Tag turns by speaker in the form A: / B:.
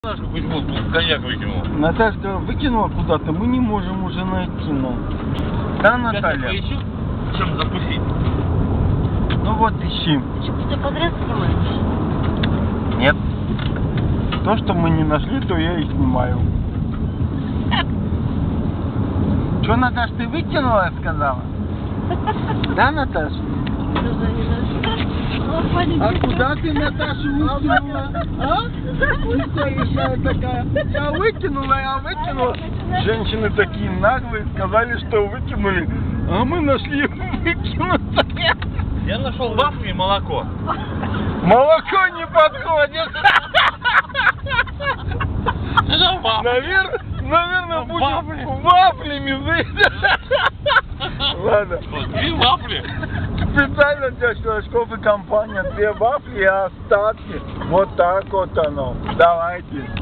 A: Наташка почему коньяк выкинул?
B: Наташка выкинула куда-то, мы не можем уже найти, ну. Да, Наталья?
A: Поищу, чем закусить.
B: Ну вот, ищи.
C: Ты что, все подряд снимаешь?
B: Нет. То, что мы не нашли, то я и снимаю. Что, Наташ, ты выкинула, сказала? Да, Наташ? А куда ты, Наташа, выкинула? А? Ты что, еще такая? Я выкинула. Женщины такие наглые, сказали, что выкинули. А мы нашли выкинутое.
A: Я нашел вафли и молоко.
B: Молоко не подходит.
A: Это вафли.
B: Наверное, будем
A: вафли.
B: вафлями. Ладно.
A: Вот, 2 вафли.
B: Специально для Шелашков и компания 2 вафли и остатки. Вот так вот оно. Давайте.